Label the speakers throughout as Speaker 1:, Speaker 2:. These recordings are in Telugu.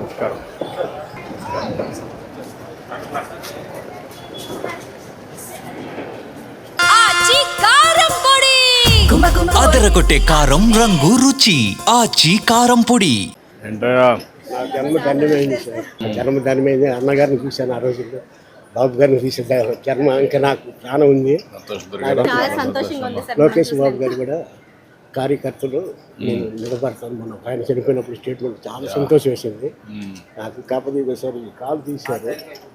Speaker 1: నమస్కారం.
Speaker 2: అదరగొట్టే కారం రంగు రుచి ఆచి కారం పొడి.
Speaker 1: ఏంటయ్యా
Speaker 3: నా జన్మ ధన్యమైంది సార్. జన్మ ధన్యమైంది. అన్నగారిని చూశాను ఆ రోజుల్లో, బాబు గారిని చూసాను. జన్మ ఇంకా నాకు ప్రాణం ఉంది. లోకేష్ బాబు గారు కూడా కార్యకర్తలు నేను నిలబడతాను. మనం ఆయన చనిపోయినప్పుడు స్టేట్మెంట్ చాలా సంతోషం వేసింది నాకు. కాకపోతే సార్ ఈ కాలు తీశారు.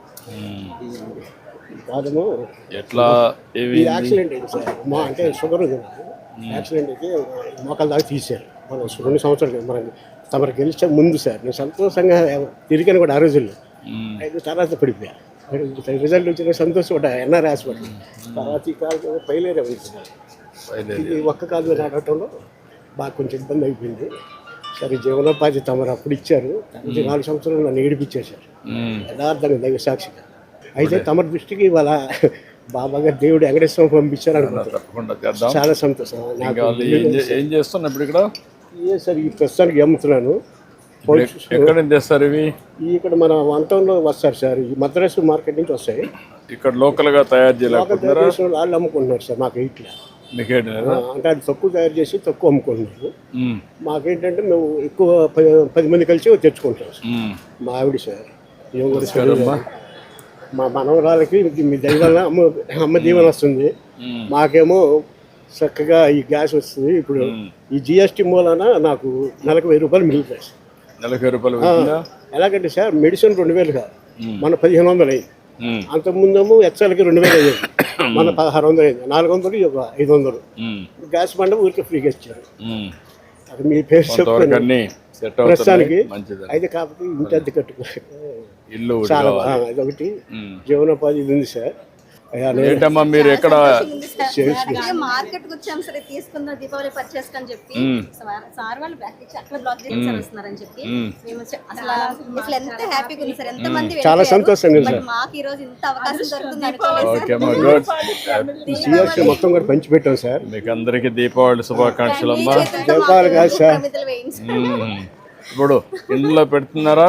Speaker 3: ఈ కాలము
Speaker 1: ఎట్లా
Speaker 3: యాక్సిడెంట్ అయింది సార్. మా అంటే షుగర్ ఉంది నాకు. యాక్సిడెంట్ అయితే మోకాల దాకా తీశారు. మనం 2 సంవత్సరాలు మనం తమరు గెలిచే ముందు సార్. నేను సంతోషంగా తిరిగాను కూడా ఆ రోజుల్లో. అయితే తర్వాత పడిపోయా. రిజల్ట్ వచ్చిన సంతోషం కూడా ఎన్ఆర్ హాస్పిటల్. తర్వాత ఈ కాలు పైలేరే ఉంది సార్. ఇది ఒక్క కాలు మీద నడవటంలో బాగా కొంచెం ఇబ్బంది అయిపోయింది. సరే జీవనోపాధి తమరు అప్పుడు ఇచ్చారు. 4 సంవత్సరాలు నన్ను ఏడిపించేశారు యథార్థంగా, దైవ సాక్షిగా. అయితే తమరి దృష్టికి ఇవాళ బాబా గారు దేవుడు వెంకటేశ్వరం పంపించారు అనుకుంటున్నాను. చాలా సంతోషం.
Speaker 1: ఏం చేస్తున్నా ఇప్పుడు ఇక్కడ?
Speaker 3: సార్ ఈ ప్రస్తుతానికి అమ్ముతున్నాను.
Speaker 1: ఎక్కడ తెస్తారు ఇవి?
Speaker 3: ఇక్కడ మన వంతంలో వస్తారు సార్. ఈ మద్రాసు మార్కెట్ నుంచి వస్తాయి.
Speaker 1: ఇక్కడ లోకల్ గా తయారు చేయలేకపోతున్నారా?
Speaker 3: వాళ్ళు అమ్ముకుంటున్నారు సార్. మాకు ఇట్లా అంటే అది తక్కువ తయారు చేసి తక్కువ అమ్ముకుంటున్నారు. మాకేంటంటే మేము ఎక్కువ 10 మంది కలిసి తెచ్చుకుంటాం సార్. మా ఆవిడ సార్ ఏం కూడా మా మనవరాలకి మీ దైవాల అమ్మ దీవెన వస్తుంది. మాకేమో చక్కగా ఈ గ్యాస్ వస్తుంది. ఇప్పుడు ఈ జిఎస్టీ మూలాన నాకు నెలకు 1000 రూపాయలు మిగులుతాయి సార్.
Speaker 1: నెలకు 1000 రూపాయలు?
Speaker 3: ఎలాగంటే సార్ మెడిసిన్ 2000 కాదు, మన 1500 అయింది. అంతకుముందేమో ఎచ్చలకి 2000 అయ్యేది, మన 1600 అయింది. 400 ఒక 500. గ్యాస్ బండ ఊరికి ఫ్రీగా ఇచ్చారు. అది మీ పేరు చెప్తాను ప్రస్తుతానికి. అయితే కాకపోతే ఇంటి అద్దె
Speaker 1: ఇల్లు
Speaker 3: చాలా అదొకటి జీవనోపాధి ఇది ఉంది సార్.
Speaker 1: ఏంటమ్మా మీరు ఎక్కడ
Speaker 4: మార్కెట్ వచ్చాం సరే తీసుకుందాం దీపావళి పర్చేస్ అని చెప్పి సార్ వాళ్ళు అక్కడ బ్లాక్ చేసి వస్తున్నారని చెప్పి మేము అసలు ఎంత హ్యాపీగా ఉంది సార్. ఎంత మంది
Speaker 3: చాలా సంతోషంగా ఉంది సార్.
Speaker 4: మాకు ఈ రోజు ఇంత అవకాశం దొరుకుతుంది అనుకోలేదు.
Speaker 3: మొత్తం కూడా పంచి పెట్టాం సార్.
Speaker 1: మీకు అందరికి దీపావళి శుభాకాంక్షలు అమ్మా.
Speaker 3: దీపావళి కాదు సార్,
Speaker 1: ఇప్పుడు ఇందులో పెడుతున్నారా?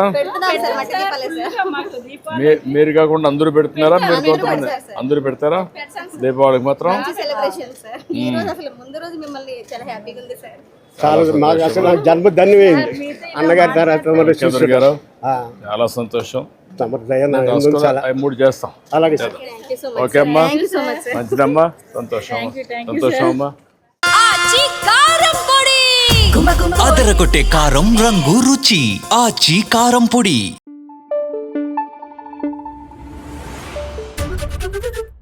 Speaker 1: మీరు కాకుండా అందరూ పెడుతున్నారా? మీరు కొంతమంది అందరూ పెడతారా దీపావళికి మాత్రం?
Speaker 3: మాకు అసలు జన్మ ధన్యమైంది అన్నగారి తర్వాత
Speaker 1: గారు. చాలా సంతోషం.
Speaker 3: 3
Speaker 1: చేస్తాం.
Speaker 3: అలాగే సార్.
Speaker 1: ఓకే అమ్మా, మంచిదమ్మా. సంతోషం సంతోషం అమ్మా.
Speaker 2: అదరగొట్టే కారం రంగు రుచి ఆచి కారం పొడి.